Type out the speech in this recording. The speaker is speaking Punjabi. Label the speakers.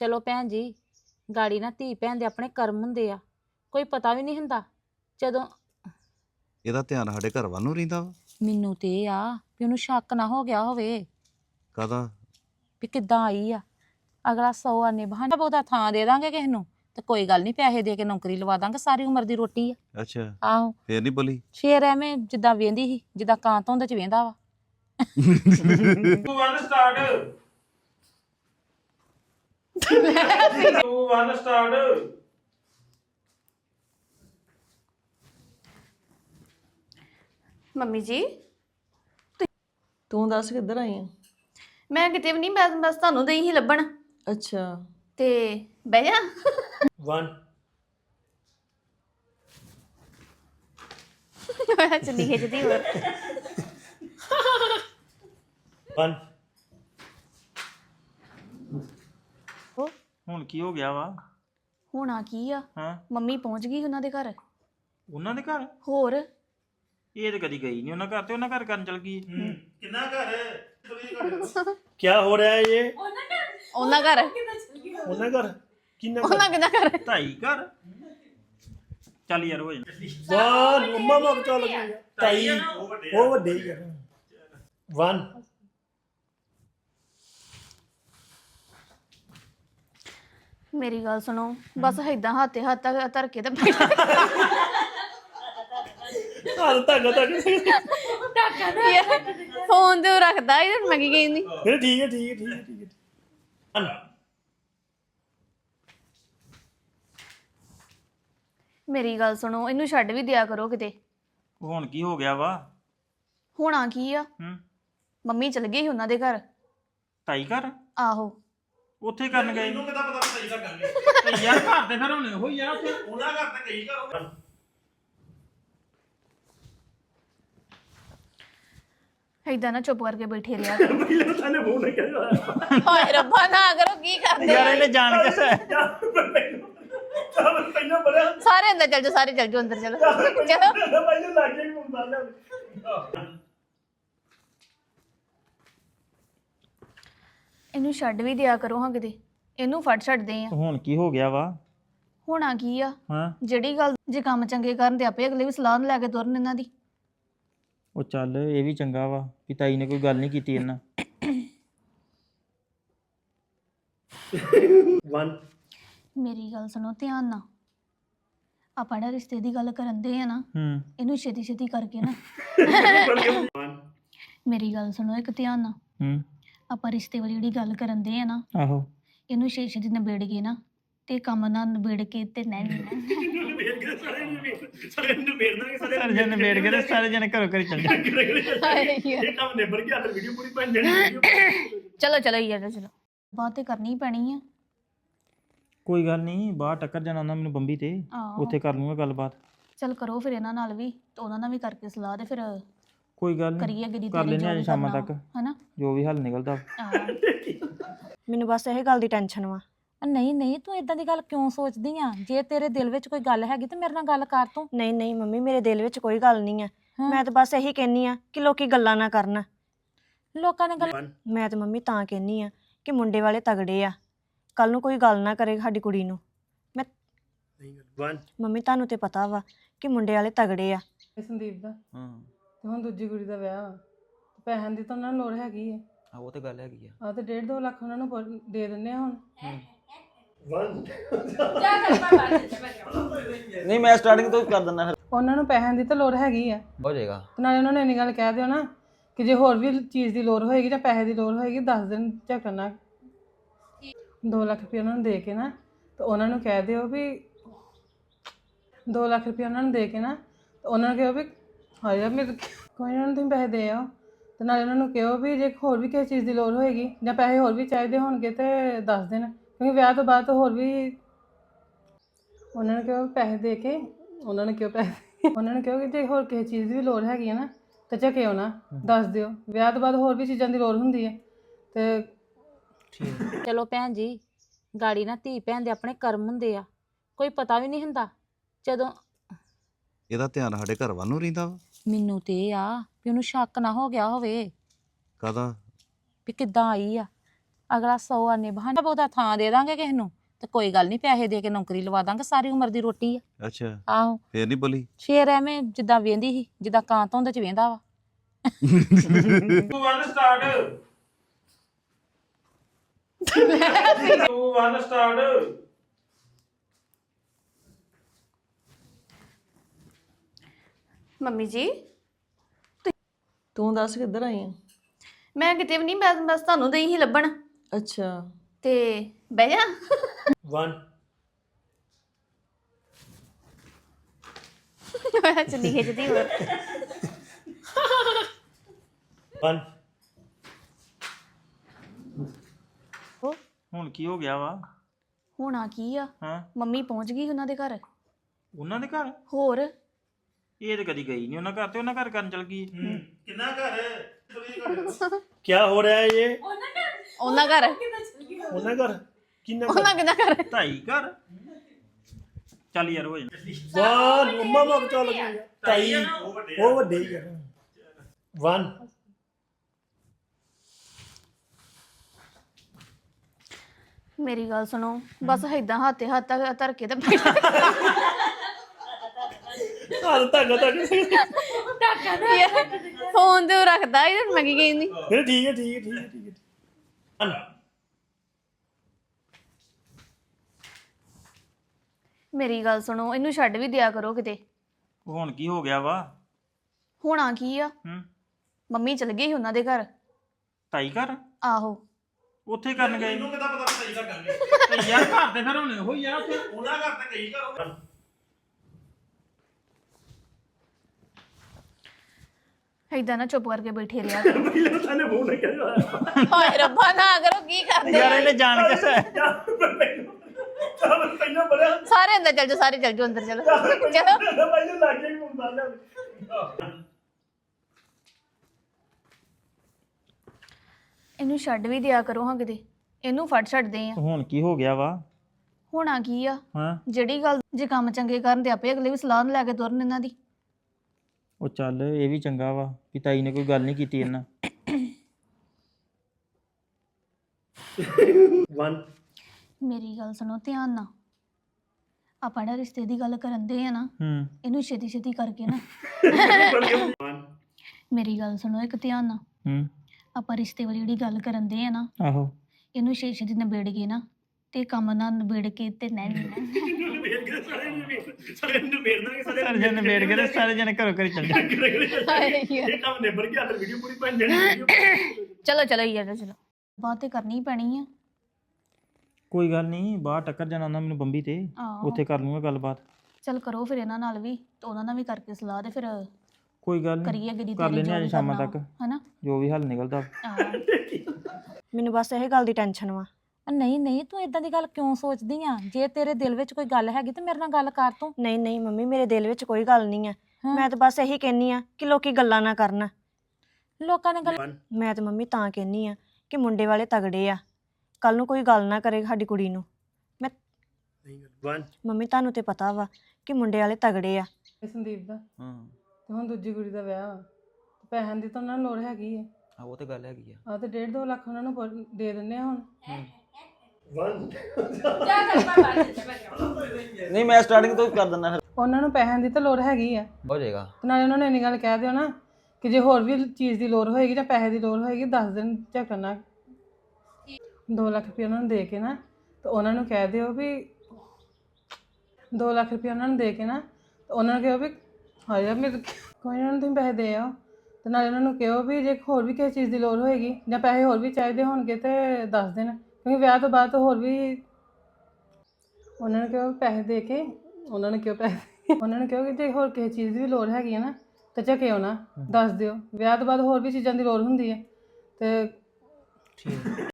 Speaker 1: ਚਲੋ ਭੈਣ ਜੀ, ਗਾੜੀ ਨਾ ਧੀ ਭੈਣ ਦੇ ਆਪਣੇ ਕਰਮ ਹੁੰਦੇ ਆ, ਕੋਈ ਪਤਾ ਵੀ ਨਹੀਂ ਹੁੰਦਾ ਜਦੋਂ।
Speaker 2: ਇਹਦਾ ਧਿਆਨ ਸਾਡੇ ਘਰ ਵੱਲ ਨੂੰ ਰਹਿੰਦਾ ਵਾ।
Speaker 1: ਮੈਨੂੰ ਤੇ ਇਹ ਆ ਵੀ ਉਹਨੂੰ ਸ਼ੱਕ ਨਾ ਹੋ ਗਿਆ ਹੋਵੇ
Speaker 2: ਕਾਹਦਾ?
Speaker 1: ਵੀ ਕਿੱਦਾਂ ਆਈ ਆ। ਅਗਲਾ 100 ਆਨੇ ਬਹਾਨਾ ਬਹੁਤਾ ਥਾਂ ਦੇ ਦਾਂਗੇ ਕਿਸੇ ਨੂੰ ਤੇ ਕੋਈ ਗੱਲ ਨਹੀਂ, ਪੈਸੇ ਦੇ ਕੇ ਨੌਕਰੀ ਲਵਾ ਦਾਂਗੇ, ਸਾਰੀ ਉਮਰ ਦੀ ਰੋਟੀ ਆ।
Speaker 2: ਅੱਛਾ,
Speaker 1: ਆਹੋ
Speaker 2: ਫੇਰ ਨਹੀਂ ਬੋਲੀ?
Speaker 1: ਫੇਰ ਐਵੇਂ ਜਿੱਦਾਂ ਵੇਂਦੀ ਸੀ, ਜਿੱਦਾਂ ਕਾਂ ਧੁੰਦ ਚ ਵੇਂਦਾ ਵਾ।
Speaker 3: 2 1 ਸਟਾਰਟ 2 1 ਸਟਾਰਟ।
Speaker 4: ਮੰਮੀ ਜੀ
Speaker 5: ਤੂੰ ਦੱਸ ਕਿੱਧਰ ਆਈ ਆ?
Speaker 4: ਮੈਂ ਕਿਤੇ ਵੀ ਨਹੀਂ, ਬਸ ਤੁਹਾਨੂੰ ਦਈ ਹੀ ਲੱਭਣ
Speaker 5: ਅੱਛਾ,
Speaker 4: ਤੇ ਬਹਿ ਜਾ
Speaker 3: 1
Speaker 4: ਚੰਨੀ ਖਿੱਚਦੀ ਹੋਰ
Speaker 3: 1 ਹੁਣ ਕੀ ਹੋ ਗਿਆ ਵਾ?
Speaker 4: ਹੋਣਾ ਕੀ ਆ,
Speaker 3: ਹਾਂ,
Speaker 4: ਮੰਮੀ ਪਹੁੰਚ ਗਈ ਉਹਨਾਂ ਦੇ ਘਰ।
Speaker 3: ਉਹਨਾਂ ਦੇ ਘਰ?
Speaker 4: ਹੋਰ
Speaker 3: ਇਹ ਤੇ ਕਦੀ ਗਈ ਨਹੀਂ ਉਹਨਾਂ ਘਰ, ਤੇ ਉਹਨਾਂ ਘਰ ਕਰਨ ਚਲ ਗਈ।
Speaker 6: ਕਿੰਨਾ ਘਰ ਕੀ ਹੋ ਰਿਹਾ ਹੈ ਇਹ?
Speaker 4: ਉਹਨਾਂ ਘਰ
Speaker 6: ਉਹਨਾਂ ਘਰ ਕਿੰਨਾ
Speaker 4: ਉਹਨਾਂ ਕਿਹਦਾ ਘਰ?
Speaker 3: ਢਾਈ ਘਰ। ਚੱਲ ਯਾਰ ਹੋ ਜਾ।
Speaker 6: ਵਾਹ ਮੰਮਾ ਮੱਕ ਚੱਲ ਗਿਆ ਢਾਈ ਉਹ ਵੱਡੇ ਹੀ ਕਰ 1
Speaker 4: ਮੇਰੀ ਗੱਲ ਸੁਣੋ, ਬਸ ਏਦਾਂ ਹੱਥੇ ਹੱਥ ਧਰ ਕੇ ਤੇ
Speaker 6: ਹਾਲ ਤੱਕ
Speaker 4: ਫੋਨ ਤੇ ਉਹ ਰੱਖਦਾ ਇਹ ਮੈਂ ਕੀ ਕਹਿੰਦੀ।
Speaker 6: ਫਿਰ ਠੀਕ ਹੈ ਠੀਕ ਹੈ ਠੀਕ ਹੈ ਠੀਕ ਹੈ 1
Speaker 4: ਮੇਰੀ ਗੱਲ ਸੁਣੋ, ਇਹਨੂੰ ਛੱਡ ਵੀ ਦਿਆ ਕਰੋ ਕਿਤੇ।
Speaker 3: ਹੁਣ ਕੀ ਹੋ ਗਿਆ ਵਾ?
Speaker 4: ਹੋਣਾ ਕੀ ਆ,
Speaker 3: ਹੂੰ,
Speaker 4: ਮੰਮੀ ਚਲ ਗਈ ਸੀ ਉਹਨਾਂ ਦੇ ਘਰ।
Speaker 3: ਢਾਈ ਘਰ
Speaker 4: ਆਹੋ
Speaker 3: ਉੱਥੇ ਕਰਨ ਗਏ।
Speaker 6: ਇਹਨੂੰ ਕਿਦਾਂ ਪਤਾ ਸਹੀ ਕਰ ਗਏ
Speaker 3: ਤੇ ਯਾਰ ਘਰ ਤੇ ਫਿਰ ਹੁਣ ਹੋਈ ਆ ਉੱਥੇ।
Speaker 6: ਉਹਨਾਂ ਘਰ ਤੇ ਕਈ ਘਰ
Speaker 4: ਏਦਾਂ ਨਾ ਚੁੱਪ ਕਰਕੇ ਬੈਠੇ ਰਿਹਾ
Speaker 6: ਪਹਿਲਾਂ ਤਾਂ ਨੇ ਫੋਨ ਕਿਹਾ
Speaker 4: ਹਾਏ ਰੱਬਾ ਨਾ ਕਰੋ, ਕੀ ਕਰਦੇ
Speaker 3: ਯਾਰ ਇਹਨੇ ਜਾਣ ਕੇ
Speaker 6: ਪਹਿਲਾਂ ਬੜਾ
Speaker 4: ਸਾਰੇ ਅੰਦਰ ਚੱਲ ਜਾਓ, ਸਾਰੇ ਚੱਲ ਜਾਓ ਅੰਦਰ, ਚਲੋ ਚਲੋ।
Speaker 6: ਪਹਿਲਾਂ ਲੱਗ ਗਿਆ ਫੋਨ ਕਰ ਲਿਆ
Speaker 4: ਇਹਨੂੰ ਛੱਡ ਵੀ ਦਿਆ ਕਰੋ ਹਾਂ ਕਿਤੇ, ਇਹਨੂੰ ਫੜ ਛੱਡਦੇ ਆ।
Speaker 3: ਹੁਣ ਕੀ ਹੋ ਗਿਆ ਵਾ?
Speaker 4: ਹੋਣਾ ਕੀ ਆ,
Speaker 3: ਹਾਂ,
Speaker 4: ਜਿਹੜੀ ਗੱਲ ਜੇ ਕੰਮ ਚੰਗੇ ਕਰਨ ਤੇ ਆਪੇ ਅਗਲੇ ਵੀ ਸਲਾਹ ਲੈ ਕੇ ਤੁਰਨ ਇਹਨਾਂ ਦੀ।
Speaker 3: ਉਹ ਚੱਲ ਇਹ ਵੀ ਚੰਗਾ ਵਾ ਕਿ ਤਾਈ ਨੇ ਕੋਈ ਗੱਲ ਨਹੀਂ ਕੀਤੀ ਇਹਨਾਂ।
Speaker 6: 1
Speaker 4: ਮੇਰੀ ਗੱਲ ਸੁਣੋ ਧਿਆਨ ਨਾਲ, ਆਪਾਂ ਜਿਹੜਾ ਰਿਸ਼ਤੇ ਦੀ ਗੱਲ ਕਰਨ ਦੇ ਆ ਨਾ,
Speaker 3: ਹੂੰ,
Speaker 4: ਇਹਨੂੰ ਛੇਤੀ ਛੇਤੀ ਕਰਕੇ ਨਾ।
Speaker 6: 1
Speaker 4: ਮੇਰੀ ਗੱਲ ਸੁਣੋ ਇੱਕ ਧਿਆਨ ਨਾਲ,
Speaker 3: ਹੂੰ,
Speaker 4: ਆਪਾਂ ਰਿਸ਼ਤੇ ਵਾਲੀ ਜਿਹੜੀ ਗੱਲ ਕਰਨ ਦੇ ਆ ਨਾ,
Speaker 3: ਆਹੋ
Speaker 4: ਇਹਨੂੰ ਛੇਤੀ ਛੇਤੀ ਨਿਬੇੜ ਕੇ ਨਾ, ਤੇ ਕੰਮ ਨਾਲ ਨਿਬੇੜ ਕੇ ਤੇ ਨਹੀਂ
Speaker 3: ਸਾਰੇ ਜਣੇ ਬੈਠ ਗਏ ਤੇ ਸਾਰੇ ਜਣੇ ਘਰੋਂ ਘਰੀ ਚੱਲ ਜਾਣਗੇ।
Speaker 6: ਇਹ ਕੰਮ ਨਿਬੜ ਗਿਆ ਤੇ ਵੀਡੀਓ ਪੂਰੀ ਬਣ ਜਾਣੀ
Speaker 4: ਚਲੋ ਚਲੋ ਯਾਰ ਚਲੋ, ਬਾਤ ਤੇ ਕਰਨੀ ਹੀ ਪੈਣੀ ਆ।
Speaker 3: ਕੋਈ ਗੱਲ ਨਹੀਂ, ਬਾਹਰ ਟੱਕਰ ਜਾਣਾ ਉਹਨਾਂ ਮੈਨੂੰ ਬੰਬੀ ਤੇ,
Speaker 4: ਆਹੋ
Speaker 3: ਉੱਥੇ ਕਰ ਲੂੰਗਾ ਗੱਲਬਾਤ।
Speaker 4: ਚਲ ਕਰੋ ਫਿਰ ਇਹਨਾਂ ਨਾਲ ਵੀ ਤੇ ਉਹਨਾਂ ਨਾਲ ਵੀ ਕਰਕੇ ਸਲਾਹ, ਤੇ ਫਿਰ
Speaker 3: ਕੋਈ ਗੱਲ
Speaker 4: ਕਰੀਏ
Speaker 3: ਨਹੀਂ,
Speaker 4: ਅੱਗੇ ਦੀ
Speaker 3: ਕਰ ਲੈਂਦੇ ਹਾਂ ਅੱਜ ਸ਼ਾਮਾਂ ਤੱਕ,
Speaker 4: ਹਨਾ।
Speaker 3: ਜੋ ਵੀ ਹੱਲ ਨਿਕਲਦਾ।
Speaker 5: ਮੈਨੂੰ ਬਸ ਇਹ ਗੱਲ ਦੀ ਟੈਨਸ਼ਨ ਵਾ।
Speaker 1: ਨਹੀਂ ਨਹੀਂ, ਤੂੰ ਇਦਾਂ ਦੀ ਗੱਲ ਕਿਉਂ ਸੋਚਦੀ ਆ? ਜੇ ਤੇਰੇ ਦਿਲ ਵਿੱਚ ਕੋਈ ਗੱਲ ਹੈਗੀ ਤੇ ਮੇਰੇ ਨਾਲ ਗੱਲ ਕਰ ਤੂੰ।
Speaker 5: ਨਹੀਂ ਨਹੀਂ ਮੰਮੀ, ਮੇਰੇ ਦਿਲ ਵਿੱਚ ਕੋਈ ਗੱਲ ਨਹੀਂ ਆ।
Speaker 1: ਹਾਂ।
Speaker 5: ਮੈਂ ਤਾਂ ਬਸ ਇਹੀ ਕਹਿੰਨੀ ਆ ਕਿ ਲੋਕੀ ਗੱਲਾਂ ਨਾ ਕਰਨ।
Speaker 1: ਲੋਕਾਂ ਨੇ ਗੱਲ
Speaker 5: ਮੈਂ ਤਾਂ ਮੰਮੀ ਤਾਂ ਕਹਿੰਨੀ ਆ ਕਿ ਮੁੰਡੇ ਵਾਲੇ ਤਗੜੇ ਆ, ਕੱਲ ਨੂੰ ਕੋਈ ਗੱਲ ਨਾ ਕਰੇ ਸਾਡੀ ਕੁੜੀ ਨੂੰ। ਮੈਂ
Speaker 6: 1
Speaker 5: ਮੰਮੀ ਤੁਹਾਨੂੰ ਤੇ ਪਤਾ ਵਾ ਕਿ ਮੁੰਡੇ ਵਾਲੇ ਤਗੜੇ ਆ।
Speaker 7: ਸੰਦੀਪ ਦਾ
Speaker 2: ਹਾਂ,
Speaker 7: ਤੇ ਹੁਣ ਦੂਜੀ ਕੁੜੀ ਦਾ ਵਿਆਹ ਵਾ। ਪੈਸਿਆਂ ਦੀ ਤਾਂ ਉਹਨਾਂ ਨੂੰ ਲੋੜ ਹੈਗੀ ਹੈ।
Speaker 2: ਉਹ ਤੇ ਗੱਲ ਹੈਗੀ ਆ।
Speaker 7: ਆ ਤੇ 1.5-2 ਲੱਖ ਉਹਨਾਂ ਨੂੰ ਦੇ ਦਿੰਨੇ ਆ ਹੁਣ।
Speaker 6: 1
Speaker 2: ਨਹੀਂ ਮੈਂ ਸਟਾਰਟਿੰਗ ਤੋਂ ਕਰ ਦਿੰਦਾ, ਫਿਰ
Speaker 7: ਉਹਨਾਂ ਨੂੰ ਪੈਸਿਆਂ ਦੀ ਤਾਂ ਲੋੜ ਹੈਗੀ ਆ,
Speaker 2: ਹੋ ਜਾਏਗਾ।
Speaker 7: ਤੇ ਨਾਲੇ ਉਹਨਾਂ ਨੂੰ ਇੰਨੀ ਗੱਲ ਕਹਿ ਦਿਓ ਨਾ ਕਿ ਜੇ ਹੋਰ ਵੀ ਚੀਜ਼ ਦੀ ਲੋੜ ਹੋਏਗੀ ਜਾਂ ਪੈਸੇ ਦੀ ਲੋੜ ਹੋਏਗੀ, 10 ਦਿਨ ਝਕਣਾ 2 ਲੱਖ ਰੁਪਏ ਉਹਨਾਂ ਨੂੰ ਦੇ ਕੇ ਨਾ, ਤੇ ਉਹਨਾਂ ਨੂੰ ਕਹਿ ਦਿਓ ਵੀ 2 ਲੱਖ ਰੁਪਏ ਉਹਨਾਂ ਨੂੰ ਦੇ ਕੇ ਨਾ, ਤੇ ਉਹਨਾਂ ਨੂੰ ਕਹੋ ਵੀ ਹਾਂ ਯਾਰ ਮੇਰੇ ਕੋਈ ਨਾ, ਤੁਸੀਂ ਪੈਸੇ ਦੇ ਆਓ, ਤੇ ਨਾਲੇ ਉਹਨਾਂ ਨੂੰ ਕਹੋ ਵੀ ਜੇ ਹੋਰ ਵੀ ਕਿਸੇ ਚੀਜ਼ ਦੀ ਲੋੜ ਹੋਏਗੀ ਜਾਂ ਪੈਸੇ ਹੋਰ ਵੀ ਚਾਹੀਦੇ ਹੋਣਗੇ ਤੇ ਦੱਸ ਦੇਣ, ਕਿਉਂਕਿ ਵਿਆਹ ਤੋਂ ਬਾਅਦ ਹੋਰ ਵੀ ਉਹਨਾਂ ਨੂੰ ਕਹੋ ਪੈਸੇ ਦੇ ਕੇ, ਉਹਨਾਂ ਨੂੰ ਕਹੋ ਕਿ ਜੇ ਹੋਰ ਕਿਸੇ ਚੀਜ਼ ਦੀ ਵੀ ਲੋੜ ਹੈਗੀ ਹੈ ਨਾ ਤਾਂ ਝਕਿਓ ਨਾ, ਦੱਸ ਦਿਓ। ਵਿਆਹ ਤੋਂ ਬਾਅਦ ਹੋਰ ਵੀ ਚੀਜ਼ਾਂ ਦੀ ਲੋੜ ਹੁੰਦੀ ਹੈ ਤੇ
Speaker 1: ਚਲੋ ਭੈਣ ਜੀ, ਗਾੜੀ ਨਾ ਧੀ ਭੈਣ ਦੇ ਆਪਣੇ ਕਰਮ ਹੁੰਦੇ ਆ, ਕੋਈ ਪਤਾ ਵੀ ਨਹੀਂ ਹੁੰਦਾ ਜਦੋਂ।
Speaker 2: ਇਹਦਾ ਧਿਆਨ ਸਾਡੇ ਘਰ ਵੱਲ ਨੂੰ ਰਹਿੰਦਾ ਵਾ।
Speaker 1: ਮੈਨੂੰ ਤੇ ਇਹ ਆ ਵੀ ਉਹਨੂੰ ਸ਼ੱਕ ਨਾ ਹੋ ਗਿਆ ਹੋਵੇ
Speaker 2: ਕਾਹਦਾ?
Speaker 1: ਵੀ ਕਿੱਦਾਂ ਆਈ ਆ। ਅਗਲਾ 100 ਆਨੇ ਬਹਾਨੇ ਬਹੁਤਾ ਥਾਂ ਦੇ ਦਾਂਗੇ ਕਿਸੇ ਨੂੰ ਤੇ ਕੋਈ ਗੱਲ ਨਹੀਂ ਪੈਸੇ ਦੇ ਕੇ ਨੌਕਰੀ ਲਵਾ ਦਾਂਗੇ ਸਾਰੀ ਉਮਰ ਦੀ ਰੋਟੀ ਆ।
Speaker 2: ਅੱਛਾ
Speaker 1: ਆਹੋ
Speaker 2: ਫੇਰ ਨਹੀਂ ਬੋਲੀ
Speaker 1: ਸ਼ੇਰ ਐਵੇਂ ਜਿੱਦਾਂ ਵੇਂਦੀ ਸੀ ਜਿੱਦਾਂ ਕਾਂ ਧੁੰਦ ਚ ਵੇਂਦਾ ਵਾ।
Speaker 3: 2 1 ਸਟਾਰਟ 2 1 ਸਟਾਰਟ।
Speaker 8: ਮੰਮੀ ਜੀ
Speaker 5: ਤੂੰ ਦੱਸ ਕਿੱਧਰ ਆਈ ਆ?
Speaker 8: ਮੈਂ ਕਿਤੇ ਵੀ ਨਹੀਂ ਬਸ ਤੁਹਾਨੂੰ ਦਈ ਹੀ ਲੱਭਣ
Speaker 5: ਅੱਛਾ
Speaker 8: ਤੇ ਬਹਿ ਜਾ
Speaker 6: 1
Speaker 8: ਚੁੰਨੀ ਖਿੱਚਦੀ ਹੋਰ
Speaker 6: 1
Speaker 3: ਹੁਣ ਕੀ ਹੋ ਗਿਆ ਵਾ?
Speaker 8: ਹੋਣਾ ਕੀ ਆ
Speaker 3: ਹਾਂ
Speaker 8: ਮੰਮੀ ਪਹੁੰਚ ਗਈ ਉਹਨਾਂ ਦੇ ਘਰ
Speaker 3: ਉਹਨਾਂ ਦੇ ਘਰ?
Speaker 8: ਹੋਰ
Speaker 3: ਇਹ ਤੇ ਕਦੀ ਗਈ ਨਹੀਂ ਉਹਨਾਂ ਘਰ ਤੇ ਉਹਨਾਂ ਘਰ ਕਰਨ ਚਲ ਗਈ।
Speaker 6: ਕੀ ਹੋ ਰਿਹਾ ਹੈ ਇਹ
Speaker 8: ਉਹਨਾਂ ਘਰ
Speaker 6: ਉਹਨਾਂ ਘਰ ਕਿੰਨਾ
Speaker 8: ਉਹਨਾਂ ਕਿਹਦਾ ਘਰ
Speaker 3: ਢਾਈ ਘਰ ਚੱਲ ਯਾਰ ਹੋ ਜਾਣਾ।
Speaker 6: ਵਾਹ ਮੰਮਾ ਮੱਕ ਚੱਲ ਗਈ ਤਾਈ ਉਹ ਵੱਡੇ ਹੀ ਕਰ 1
Speaker 8: ਮੇਰੀ ਗੱਲ ਸੁਣੋ ਬਸ ਏਦਾਂ ਹੱਥੇ ਹੱਥ ਧਰ ਕੇ ਤੇ
Speaker 6: ਹਾਲ ਤੱਕ
Speaker 8: ਫੋਨ ਤੇ ਉਹ ਰੱਖਦਾ ਇਹ ਮੈਂ ਕੀ ਕਹਿੰਦੀ
Speaker 6: ਫਿਰ ਠੀਕ ਹੈ ਠੀਕ ਹੈ ਠੀਕ ਹੈ ਠੀਕ ਹੈ 1
Speaker 8: ਮੇਰੀ ਗੱਲ ਸੁਣੋ ਇਹਨੂੰ ਛੱਡ ਵੀ ਦਿਆ ਕਰੋ ਕਿਤੇ।
Speaker 3: ਹੁਣ ਕੀ ਹੋ ਗਿਆ ਵਾ?
Speaker 8: ਹੋਣਾ ਕੀ ਆ
Speaker 3: ਹੂੰ
Speaker 8: ਮੰਮੀ ਚਲ ਗਈ ਸੀ ਉਹਨਾਂ ਦੇ ਘਰ।
Speaker 3: ਢਾਈ ਘਰ
Speaker 8: ਆਹੋ
Speaker 3: ਉੱਥੇ ਕਰਨ ਗਏ? ਇਹਨੂੰ ਕਿਦਾਂ ਪਤਾ ਢਾਈ ਘਰ ਕਰਨਗੇ? ਯਾਰ ਘਰ ਤੇ ਫਿਰ ਹੁਣ ਇਹੋ ਹੀ ਆ ਉੱਥੇ ਉਹਨਾਂ ਘਰ ਤੇ ਕਈ ਘਰ।
Speaker 8: ਏਦਾਂ ਨਾ ਚੁੱਪ ਕਰਕੇ ਬੈਠੇ ਰਿਹਾ ਕਰੋ।
Speaker 6: ਪਹਿਲਾਂ ਤਾਂ ਫੋਨ ਨਹੀਂ ਕਰਿਆ
Speaker 8: ਹਾਏ ਰੱਬਾ ਨਾ ਕਰੋ ਕੀ ਕਰਦੇ
Speaker 3: ਯਾਰ ਇਹਨੇ ਜਾਣ ਕੇ
Speaker 6: ਪਹਿਲਾਂ ਬੜਾ
Speaker 8: ਸਾਰੇ ਅੰਦਰ ਚੱਲ ਜਾਓ ਸਾਰੇ ਚੱਲ ਜਾਓ ਅੰਦਰ ਚਲੋ ਚਲੋ
Speaker 6: ਪਹਿਲਾਂ ਲੱਗ ਗਿਆ ਫੋਨ ਬਾਹਰ ਲਿਆ
Speaker 8: ਇਹਨੂੰ ਛੱਡ ਵੀ ਦਿਆ ਕਰੋ ਹਾਂ ਕਿਤੇ ਇਹਨੂੰ ਫੜ ਛੱਡਦੇ ਆ।
Speaker 3: ਹੁਣ ਕੀ ਹੋ ਗਿਆ ਵਾ?
Speaker 8: ਹੋਣਾ ਕੀ ਆ
Speaker 3: ਹਾਂ
Speaker 8: ਜਿਹੜੀ ਗੱਲ ਜੇ ਕੰਮ ਚੰਗੇ ਕਰਨ ਤੇ ਆਪੇ ਅਗਲੇ ਵੀ ਸਲਾਹ ਲੈ ਕੇ ਤੁਰਨ ਇਹਨਾਂ ਦੀ।
Speaker 3: ਉਹ ਚੱਲ ਇਹ ਵੀ ਚੰਗਾ ਵਾ ਕਿ ਤਾਈ ਨੇ ਕੋਈ ਗੱਲ ਨਹੀਂ ਕੀਤੀ ਇਹਨਾਂ।
Speaker 6: 1
Speaker 8: ਮੇਰੀ ਗੱਲ ਸੁਣੋ ਧਿਆਨ ਨਾਲ ਆਪਾਂ ਜਿਹੜਾ ਰਿਸ਼ਤੇ ਦੀ ਗੱਲ ਕਰਨ ਦੇ ਆ ਨਾ
Speaker 3: ਹੂੰ
Speaker 8: ਇਹਨੂੰ ਛੇਤੀ ਛੇਤੀ ਕਰਕੇ ਨਾ
Speaker 6: 1
Speaker 8: ਮੇਰੀ ਗੱਲ ਸੁਣੋ ਇੱਕ ਧਿਆਨ ਨਾਲ
Speaker 3: ਹੂੰ
Speaker 8: ਆਪਾਂ ਰਿਸ਼ਤੇ ਵਾਲੀ ਜਿਹੜੀ ਗੱਲ ਕਰਨ ਦੇ ਆ ਨਾ
Speaker 3: ਆਹੋ
Speaker 8: ਇਹਨੂੰ ਛੇਤੀ ਛੇਤੀ ਨਿਬੇੜ ਕੇ ਨਾ ਤੇ ਕੰਮ ਨਾਲ ਨਿਬੇੜ ਕੇ ਤੇ ਨਹੀਂ
Speaker 6: ਸਾਰੇ ਨੂੰ ਮੇਰਨਾ ਸਾਰੇ
Speaker 3: ਸਾਰੇ ਜਣੇ ਬੈਠ ਕੇ ਤੇ ਸਾਰੇ ਜਣੇ ਘਰੋਂ ਘਰੀ ਚੱਲ ਜਾਣ।
Speaker 6: ਇਹ ਕੰਮ ਨਿਬੜ ਗਿਆ ਤਾਂ ਵੀਡੀਓ ਪੂਰੀ ਬਣ ਜਾਣੀ
Speaker 8: ਚਲੋ ਚਲੋ ਯਾਰ ਚਲੋ ਬਾਤ ਤੇ ਕਰਨੀ ਹੀ ਪੈਣੀ ਆ।
Speaker 3: ਕੋਈ ਗੱਲ ਨਹੀਂ ਬਾਹਰ ਟੱਕਰ ਜਾਣਾ ਉਹਨਾਂ ਮੈਨੂੰ ਬੰਬੀ ਤੇ
Speaker 8: ਆਹੋ
Speaker 3: ਉੱਥੇ ਕਰ ਲੂੰਗਾ ਗੱਲਬਾਤ।
Speaker 8: ਚਲ ਕਰੋ ਫਿਰ ਇਹਨਾਂ ਨਾਲ ਵੀ ਤੇ ਉਹਨਾਂ ਨਾਲ ਵੀ ਕਰਕੇ ਸਲਾਹ ਤੇ ਫਿਰ
Speaker 3: ਕੋਈ ਗੱਲ ਨਹੀਂ
Speaker 8: ਕਰੀਏ ਗਦੀ
Speaker 3: ਕਰ ਲੈਣੇ ਅੱਜ ਸ਼ਾਮਾਂ ਤੱਕ
Speaker 8: ਹਨਾ।
Speaker 3: ਜੋ ਵੀ ਹੱਲ ਨਿਕਲਦਾ।
Speaker 5: ਮੈਨੂੰ ਬਸ ਇਹ ਗੱਲ ਦੀ ਟੈਨਸ਼ਨ ਵਾ।
Speaker 1: ਨਹੀਂ ਨਹੀਂ ਤੂੰ ਇਦਾਂ ਦੀ ਗੱਲ ਕਿਉਂ ਸੋਚਦੀ ਆ? ਜੇ ਤੇਰੇ ਦਿਲ ਵਿੱਚ ਕੋਈ ਗੱਲ ਹੈਗੀ ਤੇ ਮੇਰੇ ਨਾਲ ਗੱਲ ਕਰ ਤੂੰ।
Speaker 5: ਨਹੀਂ ਨਹੀਂ ਮੰਮੀ ਮੇਰੇ ਦਿਲ ਵਿੱਚ ਕੋਈ ਗੱਲ ਨਹੀਂ ਆ।
Speaker 1: ਹਾਂ।
Speaker 5: ਮੈਂ ਤਾਂ ਬਸ ਇਹੀ ਕਹਿੰਨੀ ਆ ਕਿ ਲੋਕੀ ਗੱਲਾਂ ਨਾ ਕਰਨ।
Speaker 1: ਲੋਕਾਂ ਨੇ ਗੱਲ
Speaker 5: ਮੈਂ ਤਾਂ ਮੰਮੀ ਤਾਂ ਕਹਿੰਨੀ ਆ ਕਿ ਮੁੰਡੇ ਵਾਲੇ ਤਗੜੇ ਆ, ਕੱਲ ਨੂੰ ਕੋਈ ਗੱਲ ਨਾ ਕਰੇ ਸਾਡੀ ਕੁੜੀ ਨੂੰ। ਮੈਂ
Speaker 6: 1
Speaker 5: ਮੰਮੀ ਤੁਹਾਨੂੰ ਤੇ ਪਤਾ ਵਾ ਕਿ ਮੁੰਡੇ ਵਾਲੇ ਤਗੜੇ ਆ।
Speaker 7: ਇਹ ਸੰਦੀਪ ਦਾ
Speaker 2: ਹਾਂ
Speaker 7: ਤੇ ਹੁਣ ਦੂਜੀ ਕੁੜੀ ਦਾ ਵਿਆਹ ਵਾ। ਤੇ ਪੈਸਿਆਂ ਦੀ ਤਾਂ ਉਹਨਾਂ ਨੂੰ ਲੋੜ ਹੈਗੀ ਹੈ।
Speaker 2: ਉਹ ਤੇ ਗੱਲ ਹੈਗੀ ਆ।
Speaker 7: ਆ ਤੇ 1.5-2 ਲੱਖ ਉਹਨਾਂ ਨੂੰ ਦੇ ਦਿੰਨੇ ਆ ਹੁਣ।
Speaker 6: 1
Speaker 2: ਨਹੀਂ ਮੈਂ ਸਟਾਰਟਿੰਗ ਤੋਂ ਹੀ ਕਰ ਦਿੰਦਾ ਫਿਰ
Speaker 7: ਉਹਨਾਂ ਨੂੰ ਪੈਸਿਆਂ ਦੀ ਤਾਂ ਲੋੜ ਹੈਗੀ ਆ
Speaker 2: ਹੋ ਜਾਏਗਾ।
Speaker 7: ਤੇ ਨਾਲੇ ਉਹਨਾਂ ਨੂੰ ਇੰਨੀ ਗੱਲ ਕਹਿ ਦਿਓ ਨਾ ਕਿ ਜੇ ਹੋਰ ਵੀ ਚੀਜ਼ ਦੀ ਲੋੜ ਹੋਏਗੀ ਜਾਂ ਪੈਸੇ ਦੀ ਲੋੜ ਹੋਏਗੀ 10 ਦਿਨ ਝੱਕਣ ਨਾ 2 ਲੱਖ ਰੁਪਏ ਉਹਨਾਂ ਨੂੰ ਦੇ ਕੇ ਨਾ ਤੇ ਉਹਨਾਂ ਨੂੰ ਕਹਿ ਦਿਓ ਵੀ 2 ਲੱਖ ਰੁਪਏ ਉਹਨਾਂ ਨੂੰ ਦੇ ਕੇ ਨਾ ਤੇ ਉਹਨਾਂ ਨੂੰ ਕਹੋ ਵੀ ਹਾਂ ਯਾਰ ਮੇਰੇ ਕੋਈ ਉਹਨਾਂ ਨੂੰ ਤੁਸੀਂ ਪੈਸੇ ਦੇ ਆਓ ਤੇ ਨਾਲੇ ਉਹਨਾਂ ਨੂੰ ਕਹੋ ਵੀ ਜੇ ਹੋਰ ਵੀ ਕਿਸੇ ਚੀਜ਼ ਦੀ ਲੋੜ ਹੋਏਗੀ ਜਾਂ ਪੈਸੇ ਹੋਰ ਵੀ ਚਾਹੀਦੇ ਹੋਣਗੇ ਤੇ ਦੱਸ ਦੇਣ, ਕਿਉਂਕਿ ਵਿਆਹ ਤੋਂ ਬਾਅਦ ਹੋਰ ਵੀ ਉਹਨਾਂ ਨੂੰ ਕਹੋ ਪੈਸੇ ਦੇ ਕੇ ਉਹਨਾਂ ਨੂੰ ਕਹੋ ਕਿ ਜੇ ਹੋਰ ਕਿਸੇ ਚੀਜ਼ ਦੀ ਵੀ ਲੋੜ ਹੈਗੀ ਹੈ ਨਾ ਤੇ ਝਕਿਓ ਨਾ ਦੱਸ ਦਿਓ। ਵਿਆਹ ਤੋਂ ਬਾਅਦ ਹੋਰ ਵੀ ਚੀਜ਼ਾਂ ਦੀ ਲੋੜ ਹੁੰਦੀ ਹੈ ਤੇ